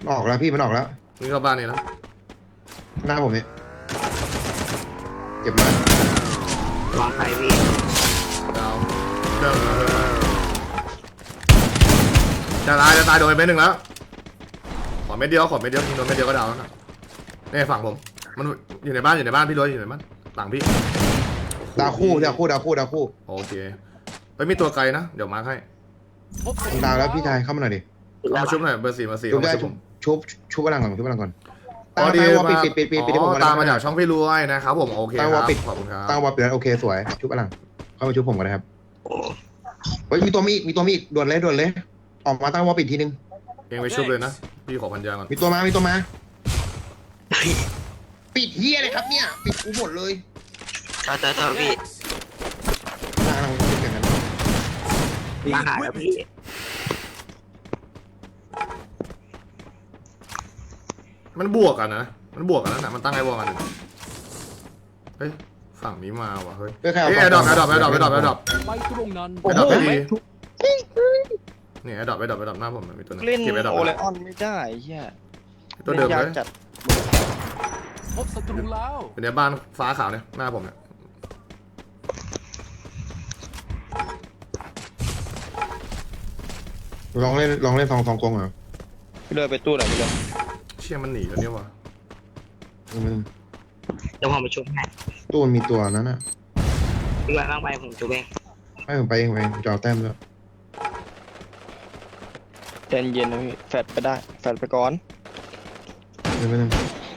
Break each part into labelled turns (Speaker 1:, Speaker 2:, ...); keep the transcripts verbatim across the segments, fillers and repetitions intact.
Speaker 1: ออกแล้วพี่มันออกแล้ว
Speaker 2: นี่เข้าบ้านนี่แล้ว
Speaker 1: หน้าผมเนี่ยเจ็บมาก
Speaker 3: วางไฟพี่
Speaker 2: ดาวเริ่มจะตายจะตายโดนไปเม็ดหนึ่งแล้วขอเม็ดเดียวขอเม็ดเดียวโดนเม็ดเดียวก็ดาวแล้วนะนี่ฝั่งผมมันอยู่ในบ้านอยู่ในบ้านพี่รวยอยู่ในบ้านหลังพี่
Speaker 1: ดาวคู่ดาวคู่ดาวคู่ดาวคู่
Speaker 2: โอเคไปมีตัวไกลนะเดี๋ยวมาร์คให้
Speaker 1: ดาวแล้วพี่ชายเข้ามาหน่อยดิ
Speaker 2: เข้ามาชุบหน่อยเบอร์สี่มาสี่
Speaker 1: ชุบได้
Speaker 2: ชุบ
Speaker 1: ชุบชุบพลังก่อนชุบพลังก่อน
Speaker 2: ตามไปว่าปิด
Speaker 1: ปิดปิดปิดปิดผม
Speaker 2: ตามมาจากช่องพี่รวยนะครับผมโอเคครับขอบคุณครับ
Speaker 1: ตั้งวอลปิดแล้วโอเคสวยชุบพลังเข้ามาชุบผมกันนะครับเฮ้ยมีตัวมีอีกมีตัวมีอีกด่วนเลยด่วนเลยออกมาตั้งวอลปิดทีนึง
Speaker 2: เองไปชุบเลยนะพี่ขอพันยาก่อน
Speaker 1: มีตัวมามีตัวมาปิดเฮียเลยครับเนี่ยปิดกูหมดเลย
Speaker 3: ต่อต่อต่อพี่
Speaker 1: กำลังปิดกัน
Speaker 3: มาหาแล้วพี่
Speaker 2: มันบวกกันนะมันบวกกันนะมันตั้งไอ้วอลกันเฮ้ยฝั่งนี้มาว่ะเฮ้ยเฮ้ยแอร์ดรอปแอร์ดรอปแอร์ดรอปแอร์ดรอปแอร์ดรอป
Speaker 4: ไปตรงนั้น
Speaker 2: แอร์ดรอปไม่ดีนี่แอร์ดรอปแอร์ดรอปแอร์ดรอปหน้าผมมีตัวนึง
Speaker 5: เล่น
Speaker 2: เก็บแอร์ดรอป
Speaker 5: โอเลออนไม่ได้เฮีย
Speaker 2: ตัวเดิมเลย
Speaker 5: จัด
Speaker 4: พบศัตรูแล้ว
Speaker 2: เป็นในบ้านฟ้าขาวเนี่ยหน้าผมเนี่ย
Speaker 1: ลองเล่นลองเล่นสองสองกงเหรอ
Speaker 5: พี่เลยไปตู้ไหนพี่เลย
Speaker 2: เชี่ยมันหนีแล้วเนี่ยวะ
Speaker 3: เดี๋ยวผมไปชุบให้
Speaker 1: ตู้มันมีตัวนั้นน่ะ
Speaker 3: พี่ว่าบ้างไปผมชุบเอง
Speaker 1: ไม่ผมไปเองไปจอแต้มแล้ว
Speaker 5: ใจเย็นนะพี่แฟดไปได้แฟดไปก่อน
Speaker 1: เดี๋ยวไปนึง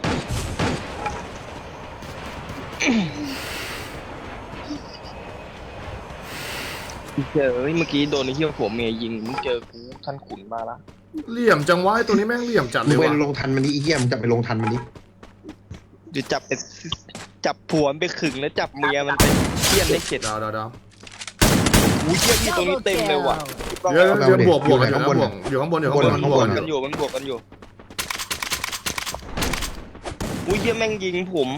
Speaker 5: เจอเมื่อกี้โดนไอ้เหี้ยผัวเมียยิงมึงเจอกูท่านขุนมาละ
Speaker 2: เหลี่ยมจังวะตัวนี้แม่งเหลี่ยมจัดเลย
Speaker 1: ว่ะ
Speaker 2: ไป
Speaker 1: ลงทันมันดิไอ้เหี้ยมันจะไปลงทันมันดิ
Speaker 5: เดี๋ยวจับไปจับผัวไปขึงแล้วจับเมียมันไปเทียนได้เข็ด
Speaker 2: ดาวดาวดาว
Speaker 5: อู้เทียนที่ตรงนี้เต็มเลยว่ะ
Speaker 2: เยอะเยอะบวกบวกกันอยู่ข้างบนอยู่ข้างบนอยู่ข้างบน
Speaker 5: มันบวกกันอยู่มันบวกกันอยู่อู้เทียนแม่งยิงผม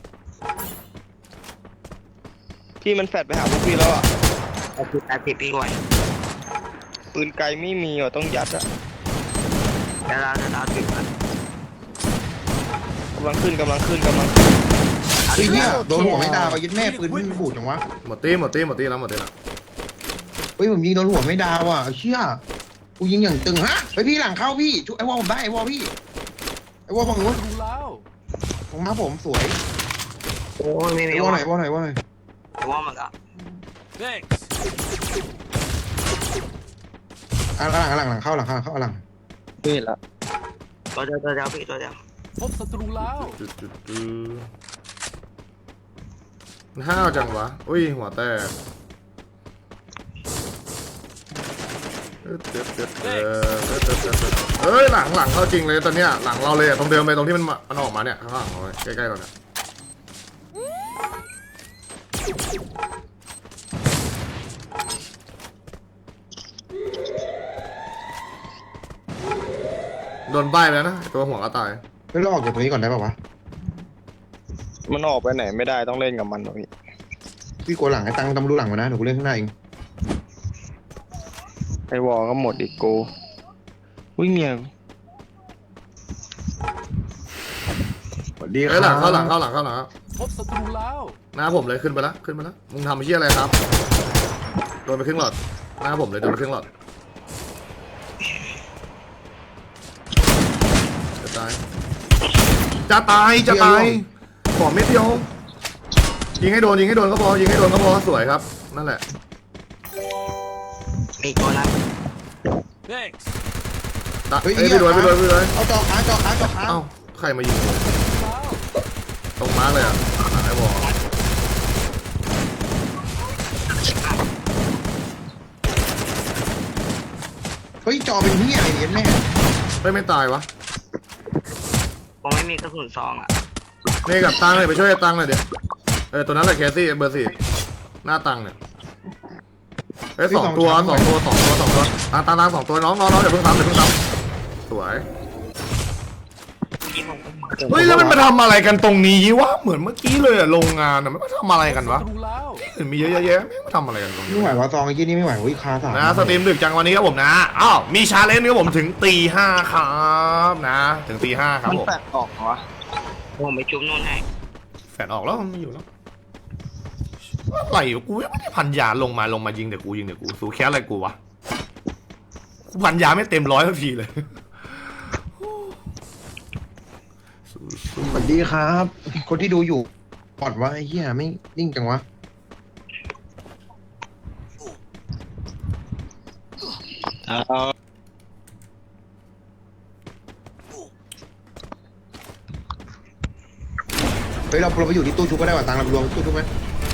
Speaker 5: พี่มันแฟดไปหาพวกพี่แล้วอ่ะ
Speaker 3: เอาคือตาติดพี่ก่อน
Speaker 5: ปืนไกลไม่มีอ่ะต้องยัดอ่ะ
Speaker 3: เดี๋ยวเราจะเราติดก่อน
Speaker 5: กำลังขึ้นกำลังขึ้นกำลัง
Speaker 1: ไอ้เหี้ยโดนหัวไม่ดาวไปยึดแม่ปืนมันบูดจังวะ
Speaker 2: หมดตีหมดตีหมดตีแล้วหมดตีแล้ว
Speaker 1: เฮ้ยผมยิงโดนหัวไม่ดาวอ่ะเชี่ยกูยิงอย่างตึงฮะไปพี่หลังเข้าพี่ช่วยไอ้วอลผมได้ไอ้วอลพี่ไอ้วอลฝั่งนู้นของน้าผมสวย
Speaker 3: โอ้ยไม่ไม่
Speaker 1: วอลไหนวอลไหนวอลไหน
Speaker 3: ว่ามันก็
Speaker 1: อ่ะหลังหลังหลังเข้าหลังเข้าเข้าหลัง
Speaker 5: นี่ละ
Speaker 3: ตัวเดียวตัวเดียวพี่ตัวเดียว
Speaker 4: พบศัตรูแล้ว
Speaker 2: ห้าวจังวะอุ้ยหัวแตกเฮ้ยหลังหลังเข้าจริงเลยตอนเนี้ยหลังเราเลยตรงเดิมเลยตรงที่มันมันออกมาเนี่ยข้างหลังเราใกล้ๆเราเนี่ยโดนใบ้ไปแล้วนะตัวหัวก็ตาย
Speaker 1: ไม่ต้องออกจากตรงนี้ก่อนได้ป่าววะ
Speaker 5: มันออกไปไหนไม่ได้ต้องเล่นกับมันพี่
Speaker 1: พี่กลัวหลังไอ้ตังต้องรู้หลังมานะเดี๋ยวกูเล่นข้างหน้าเอง
Speaker 5: ไอวอลก็หมดอีกโกวิ่งเมีย
Speaker 1: สวัสดี
Speaker 2: ครับหลังเข้าหลังเข้าหลังเข้าหลัง
Speaker 4: พบศัตรูแล้ว
Speaker 2: หน้าผมเลยขึ้นไปแล้วขึ้นไปแล้วมึงทำเชี่ยอะไรครับโดนไปครึ่งหลอดหน้าผมเลยโดนไปครึ่งหลอดจะตายจะตายจะตายขอเม็ดเดียวยิงให้โดนยิงให้โดนก็พอยิงให้โดนก็พอสวยครับนั่นแหละ
Speaker 3: มีตัวนั้น
Speaker 2: เฮ้ยไปด้วยไปด้วยไปด้วย
Speaker 1: เอาจอค้างจอค้างจอค้าง
Speaker 2: เอ้าใครมายิงตรงมาร์กเลยอ่ะไอ้บอล
Speaker 1: เฮ้ยจอเป็นที่อะไรเนี่ยแม่
Speaker 2: เฮ้ยไม่ตายวะ
Speaker 3: ผมไม่มีกระสุนซองอ่ะ
Speaker 2: นี่กับตังเลยไปช่วยตังเลยเดี๋ยวเออตัวนั้นแหละแคสซี่เบอร์สี่หน้าตังเนี่ยเอ้ยสองตัวสองตัวสองตัวสองตัวตังตังตังสองตัวน้องน้องน้องเดี๋ยวเพิ่งทำเดี๋ยวเพิ่งทำสวย
Speaker 3: พี่ผม
Speaker 2: เฮ้ยแล้วมันมาทำอะไรกันตรงนี้วะเหมือนเมื่อกี้เลยอะโรงงานอะมันมาทำอะไรกันวะ
Speaker 4: ศัตรูแล้ว
Speaker 2: เห็นมีเยอะแยะไม่มาทำอะไรกันตรงนี้
Speaker 1: ไม่ไหววะซองไอ้ยี่นี่ไม่ไหวอุ้ยคาสาม
Speaker 2: นะสตรีมดึกจังวันนี้ครับผมนะอ้าวมีชาเลนจ์ครับผมถึงตีห้าครับนะ ถึงตีห้าครับ
Speaker 5: มัน
Speaker 2: ผม
Speaker 5: แปดออกเหรอวะ
Speaker 3: ผมไปจุ๊บนู่นให้
Speaker 2: แฟนออกแล้วมันไม่อยู่แล้วอะไรวะกูยังไม่ได้พันยาลงมาลงมายิงเดี๋ยวกูยิงเดี๋ยวกูสู้แค่อะไรกูวะกูพันยาไม่เต็มร้อยสักทีเลยสู้สู้
Speaker 1: สวัสดีครับ คนที่ดูอยู่ปอดวะไอ้เหี้ยไม่นิ่งจังวะ
Speaker 5: เอา
Speaker 1: เฮ้ยเราเราไปอยู่ที่ตู้ชุบก็ได้ว่ะตังเราไปรวมตู้ชุบไหม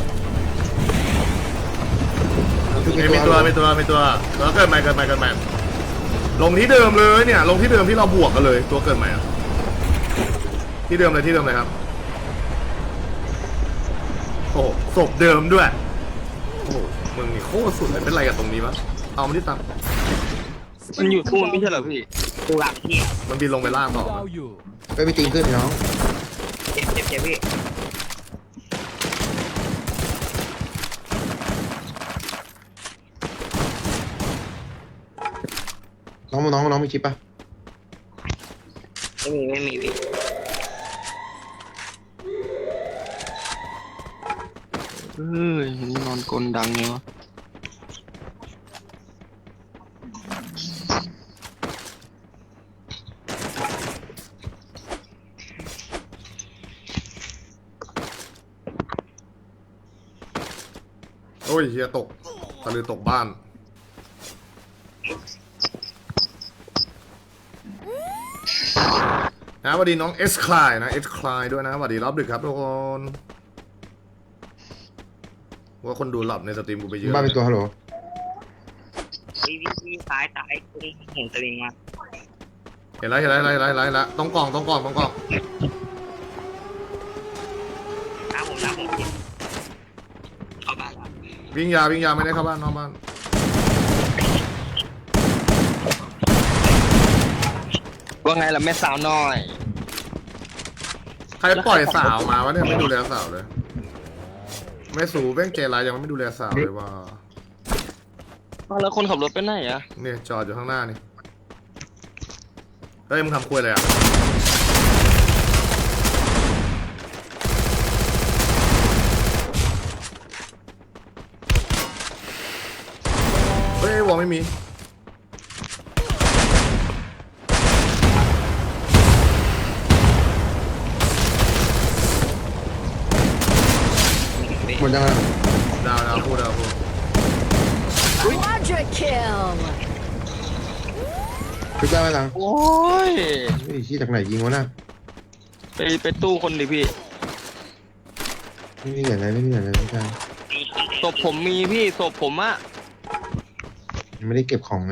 Speaker 1: ตู้ชุบ
Speaker 2: เอ้ยมีตัวมีตัวมีตัวแล้วเกิดใหม่เกิดใหม่เกิดใหม่ลงที่เดิมเลยเนี่ย ลงที่เดิมที่เราบวกกันเลย ตัวเกิดใหม่อะที่เดิมเลยที่เดิมเลยครับโอ้โหศพเดิมด้วยโอ้โหมึงนี่โคตรสุดเลยเป็นไรกับตรงนี้วะเอามันที่ตัง
Speaker 5: มันอยู่ทูนไม่ใช่เหรอพี่
Speaker 3: ดูหลังพี่
Speaker 2: มันบินลงไปล่างต่อ
Speaker 4: ดาวอยู่
Speaker 1: ไปไปตีนขึ้นน้อง
Speaker 3: เจ็บเจ็บเจ็บพี่
Speaker 1: น้องน้องน้องมีชิปปะ
Speaker 3: ไม่มีไม่มีพี่
Speaker 5: เฮ้ยนี่นอนกลดังเนี่ยวะ
Speaker 2: โอ้ยเฮียตกตะลือตกบ้านนะสวัสดีน้องเอสคลายนะเอสคลายด้วยนะสวัสดีรอบดึกครับทุกคนว่าคนดูหลับในสตรีมกูไปเยอะ
Speaker 1: บ้านเป็นตัวฮัลโหล
Speaker 3: พี่พี่พี่ซ้ายซ้ายคุณเห็นสลิงมา
Speaker 2: เห็นแล้วเห็นแล้วเห็นแล้วเห็นแล้วเห็นแล้วต้องกล่องต้องกล่องต้องกล่อง
Speaker 3: หน้าผมหน้าผมพี่เข้าบ้านแล้ว
Speaker 2: วิ่งยาวิ่งยาไม่ได้เข้าบ้านนอกบ้าน
Speaker 5: ว่าไงล่ะแม่สาวน้อย
Speaker 2: ใครปล่อยสาวมาวะเนี่ยไม่ดูแลสาวเลยแม่สูแม่งเจรายยังไม่ดูแลสาวเลยว่า
Speaker 5: อ้าวแล้วคนขับรถไปไหนอะ
Speaker 2: เนี่ยจอดอยู่ข้างหน้านี่เฮ้ยมึงทำคุยอะไรอ่ะเฮ้ยวอลไม่มี
Speaker 1: หมดยังไง
Speaker 2: ดาวดาวพูดดาวพูด
Speaker 6: Quadra kill!
Speaker 1: ชุบได้ไหมตัง
Speaker 5: โอ้ย
Speaker 1: ไอ้ชี้จากไหนยิงวะน่ะ
Speaker 5: ไปไปตู้คนดิพี่
Speaker 1: ไม่มีอะไรไม่มีอะไรไม่ใช่
Speaker 5: ศพผมมีพี่ศพผมอะ
Speaker 1: ยังไม่ได้เก็บของไง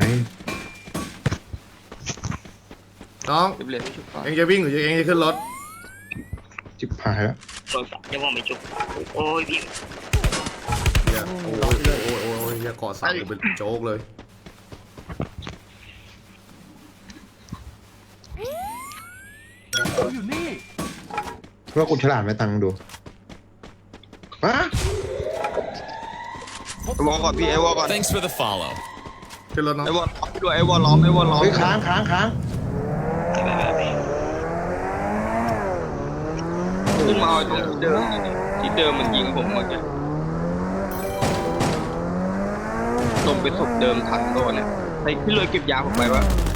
Speaker 2: น้อง
Speaker 5: เก็บเหรียญไม่ชุบก่อน
Speaker 2: เองจะวิ่งหรือเองจะขึ้นรถ
Speaker 1: จิบหายแล้ว
Speaker 3: โดนสับเดี๋ยวผมไปจุ๊บโอ้ยพี่
Speaker 2: เฮียโอ้ยโอ้ยโอ้ยโอ้ยเฮียเกาะสั่งกูเป็นโจ๊กเลย
Speaker 4: เขาอยู่นี่
Speaker 1: เพราะกูฉลาดไหมตังดูฮะ
Speaker 5: ไอ้วอลก่อนพี่ไอ้วอลก่อน
Speaker 7: Thanks for the follow.
Speaker 2: ขึ้นรถน้อง
Speaker 5: ไอ้วอลล้อมไปด้วยไอ้วอลล้อมไอ้วอลล้อม
Speaker 1: เฮ้ยค้างค้างค้าง
Speaker 5: ขึ้นมาเอาตรงที่เดิมที่เดิมมันยิงผมเมื่อกี้ตรงไปศพเดิมทันโดนเนี่ยไอ้พี่เลยเก็บยาผมไปวะ